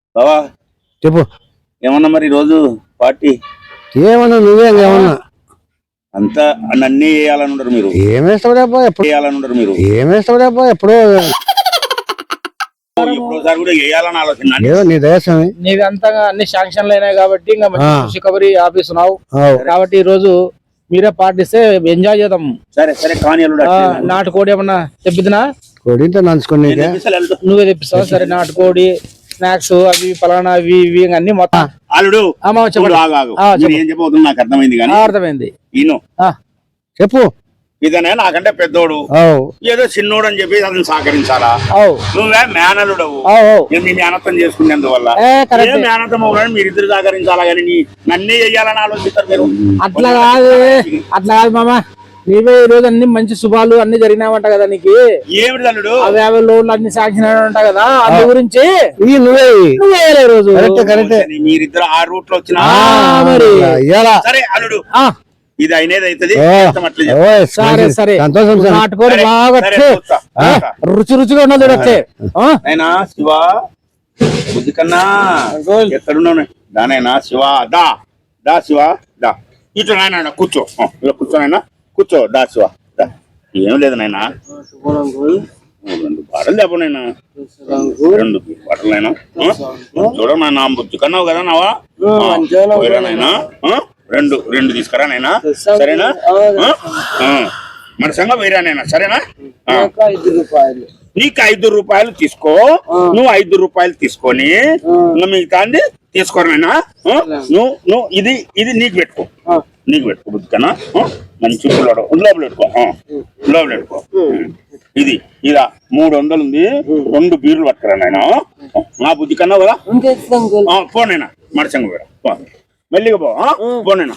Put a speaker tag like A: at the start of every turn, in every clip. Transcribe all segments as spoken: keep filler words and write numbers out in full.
A: బావా
B: చెప్పు.
A: ఏమన్నా మరి రోజు పార్టీ
B: ఏమన్నా నువ్వే ఏమన్నా
A: అంతా అన్నీ వేయాలని ఉండరు మీరు.
B: ఏమేస్తావులేబ్బా ఎప్పుడు
A: వేయాలని ఉండరు మీరు.
B: ఏమేస్తావులేబ్బా ఎప్పుడో
A: ఎప్పుడోసారి కూడా వేయాలని ఆలోచన.
B: ఏదో నీ దయస్వామి
C: నీది అంతగా అన్ని శాంక్షన్లు అయినాయి కాబట్టి ఇంకా రికవరీ ఆఫీస్ ఉన్నావు కాబట్టి ఈ రోజు మీరే పాటిస్తే ఎంజాయ్ చేద్దాం.
A: సరే సరే కానీ
C: నాటుకోడి ఏమన్నా తెప్పిద్దినా?
B: కోడింతో నంచుకోండి
C: నువ్వే తెప్పిస్తావు. సరే నాటుకోడి స్నాక్స్ అవి పలానా అవి ఇవి అన్ని మొత్తం.
A: అల్లుడు
C: చెప్పు.
A: ఏం చెప్పబోతున్నా నాకు అర్థమైంది కానీ
C: అర్థమైంది.
A: ఈను
B: చెప్పు.
A: ఇదనే నాకంటే పెద్దోడు ఏదో చిన్నోడు అని చెప్పి అతను సహకరించాలా? నువ్వే మేనలుడవు. మీ మేనత్వం చేసుకునేందువల్ల మేనత్వం అవ్వాలని మీరిద్దరు సహకరించాలా కానీ నీ నన్నే చెయ్యాలని ఆలోచిస్తారు మీరు.
C: అట్లా కాదు అట్లా కాదు మామ. నీవే ఈ రోజు అన్ని మంచి శుభాలు అన్ని జరిగినావంట కదా నీకు.
A: ఏమిటి అల్లుడు?
C: యాభై లోన్లు అన్ని సాంక్షన్ ఉంటా కదా అందు గురించి
B: నువ్వే
C: నువ్వే రోజు
A: మీరిద్దరు ఆ రూట్ లో వచ్చిన సరే అల్లుడు ఇది అయినది అవుతుంది.
C: సరే సరే నాటుకోడి బాగా రుచి రుచిగా ఉన్నది వచ్చే
A: అయినా శివ బుద్ధి కన్నా ఎక్కడున్నావు దానైనా శివ దా దా శివ దా ఇట్లా నాయన కూర్చో ఇలా కూర్చో నాయన కూర్చో దా శివ దా. ఏం లేదు నాయన రెండు బాటలు చెప్పనైనా రెండు బాటలు అయినా చూడనా బుద్ధి కన్నావు కదా నావా నాయనా రెండు రెండు తీసుకురా నైనా సరేనా? మన సంగ వేరానైనా సరేనా? నీకు ఐదు రూపాయలు తీసుకో నువ్వు ఐదు రూపాయలు తీసుకొని మిగతా తీసుకోరనైనా నువ్వు నువ్వు ఇది ఇది నీకు పెట్టుకో నీకు పెట్టుకో బుద్ధికన్నా మంచి లోపల పెట్టుకో లోపల పెట్టుకో. ఇది ఇలా మూడు వందలు ఉంది. రెండు బీర్లు పట్టుకురా నాయన నా బుద్ధి కన్నా కదా పోనైనా మడసంగ వేరా మెల్లిగా పోనైనా.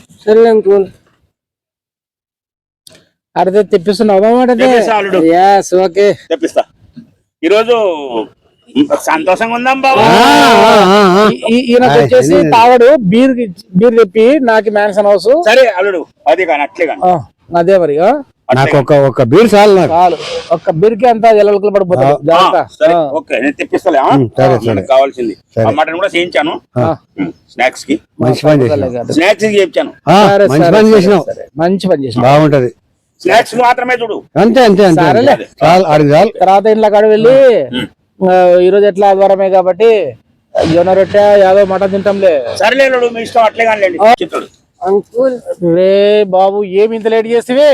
C: అడితే తెప్పిస్తున్నావు
A: తెప్పిస్తా. ఈరోజు సంతోషంగా ఉందాం బాబా.
C: ఈయనకు వచ్చేసి తావడు బీర్ బీర్ తెప్పి నాకు మ్యాన్సన్ హౌస్.
A: సరే అల్లుడు అది కానీ అట్లే కానీ
C: అదే మరి
B: నాకు ఒక ఒక బీర్ చాలు చాలు
C: ఒక్క బీర్కి అంతా ఎల్లకలు పడిపోతుంది.
A: ఓకే నేను తెప్పిస్తలే కావాల్సింది. మటన్ కూడా చేయించాను స్నాక్స్ కి.
B: మంచి పని చేసినావు.
A: స్నాక్స్ కి చేయించాను.
B: మంచి పని చేసినావు.
C: మంచి పని చేసినావు.
B: బాగుంటది.
A: స్నాక్స్ మాత్రమే చూడు.
B: అంతే అంతే అంతే చాలు ఆడి చాలు.
C: తర్వాత ఇంట్లో కాడ వెళ్ళి ఈ రోజు ఎట్లా ఆదివారమే కాబట్టి జొన్న రొట్టె యాదో మటన్ తింటాంలే.
A: సరేలే మీ ఇష్టం అట్లే కానీ చిత్రుడు.
C: అంకుల్ రే బాబు ఏమి ఇంత లేట్ చేస్తే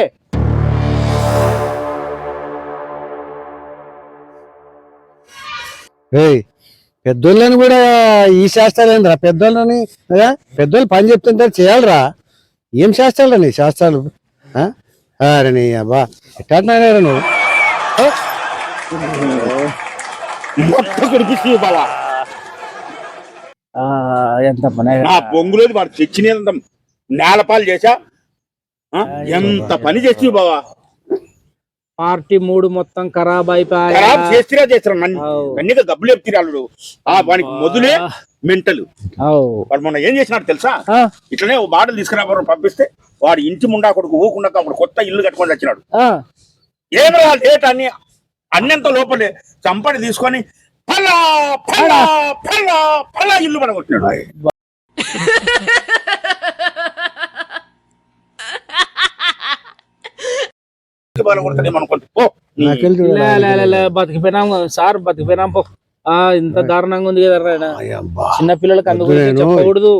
B: పెద్దోళ్ళని కూడా ఈ శాస్త్రాలు పెద్దోళ్ళని పెద్దోళ్ళు పని చెప్తుంటే చేయాలరా. ఏం శాస్త్రాలు నీ శాస్త్రాలు అరే నీ అబ్బా ఎట్టారా నువ్వు
C: ఎంత పని
A: బొంగులేదు వాడు తెచ్చిన నేలపాలు చేసా ఎంత పని చేసి బావా.
C: పార్టీ మూడు మొత్తం ఖరాబ్ అయిపోయా
A: చేస్తున్నా చేస్తున్నా కన్నీగా గబ్బులు చెప్తారు ఆ వానికి మొదలే మెంటలు. వాడు మొన్న ఏం చేసినాడు తెలుసా? ఇట్లనే ఓ బాటలు తీసుకురా పంపిస్తే వాడు ఇంటి ముండా కొడుకు ఊకుండా అప్పుడు కొత్త ఇల్లు కట్టుకొని వచ్చినాడు. ఏమో లేట్ అన్ని అన్నంత లోపలే చంపని తీసుకొని ఫలా ఫలా ఫలా ఫలా ఇల్లు పడగొట్టినాడు.
C: బతికిపోయినాం సార్ బతికిపోయినాం పో. ఇంత దారుణంగా ఉంది కదా చిన్న పిల్లలకి అందుకు చెప్పకూడదు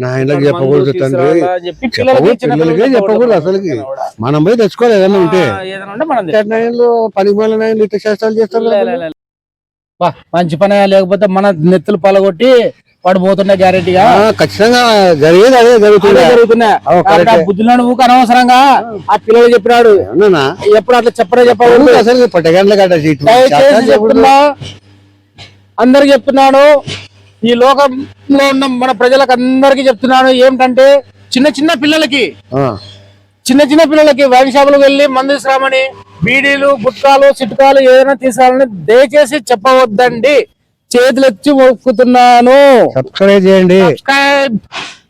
B: చెప్పకూడదు అసలు. మనం పోయి తెచ్చుకోవాలి ఏదైనా ఉంటే పనికి మళ్ళీ శాస్త్రాలు చేస్తారు.
C: మంచి పని లేకపోతే మన నెత్తులు పలగొట్టి వాడు పోతున్నా గ్యారెంటీగా
B: ఖచ్చితంగా జరిగేది అదే జరుగుతుంది
C: జరుగుతున్నాయి. బుద్ధులను ఊక అనవసరంగా ఆ పిల్లలు చెప్పినాడు. ఎప్పుడు అట్లా చెప్పడే చెప్పకూడదు
B: అసలు
C: చెప్తున్నా అందరికి చెప్తున్నాను. ఈ లోకంలో ఉన్న మన ప్రజలకు అందరికి చెప్తున్నాను ఏమిటంటే చిన్న చిన్న పిల్లలకి చిన్న చిన్న పిల్లలకి వైన్ షాపులకు వెళ్ళి మందు తీసుకురామని బీడీలు గుట్కాలు చిట్కాలు ఏదైనా తీసుకురావాలని దయచేసి చెప్పవద్దండి. చేతులు ఎత్తి మొక్కుతున్నాను.
B: సబ్స్క్రైబ్ చేయండి.
C: సబ్స్క్రైబ్